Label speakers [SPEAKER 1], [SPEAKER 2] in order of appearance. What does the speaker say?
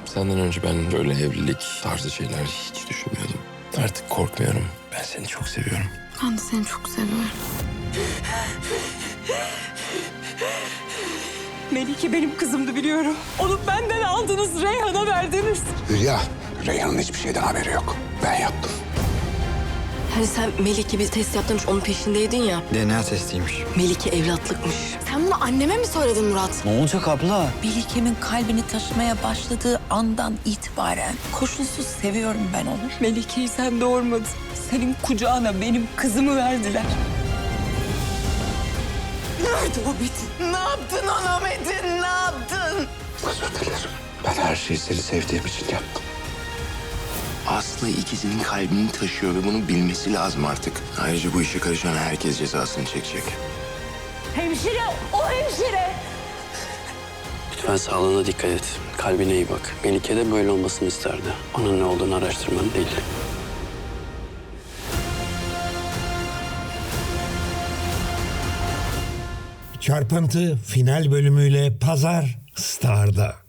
[SPEAKER 1] Senden önce ben böyle evlilik tarzı şeyler hiç düşünmüyordum. Artık korkmuyorum. Ben seni çok seviyorum.
[SPEAKER 2] Ben de seni çok seviyorum.
[SPEAKER 3] Melike benim kızımdı biliyorum. Onu benden aldınız, Reyhan'a verdiniz.
[SPEAKER 4] Hülya, Reyhan'ın hiçbir şeyden haberi yok. Ben yaptım.
[SPEAKER 5] Hani sen Melike bir test yaptırmış, onun peşindeydin ya.
[SPEAKER 6] DNA testiymiş.
[SPEAKER 5] Melike evlatlıkmış.
[SPEAKER 2] Sen bunu anneme mi söyledin Murat?
[SPEAKER 6] Ne olacak abla?
[SPEAKER 3] Melike'min kalbini taşımaya başladığı andan itibaren koşulsuz seviyorum ben onu. Melike'yi sen doğurmadın. Senin kucağına benim kızımı verdiler. Nerede o Metin? Ne yaptın ona Metin? Ne yaptın?
[SPEAKER 4] Özür dilerim. Ben her şeyi seni sevdiğim için yaptım.
[SPEAKER 1] Aslı ikisinin kalbini taşıyor ve bunu bilmesi lazım artık. Ayrıca bu işe karışan herkes cezasını çekecek.
[SPEAKER 3] Hemşire, o hemşire.
[SPEAKER 7] Lütfen sağlığına dikkat et. Kalbine iyi bak. Melike de böyle olmasını isterdi. Onun ne olduğunu araştırman değil.
[SPEAKER 8] Çarpıntı final bölümüyle Pazar Star'da.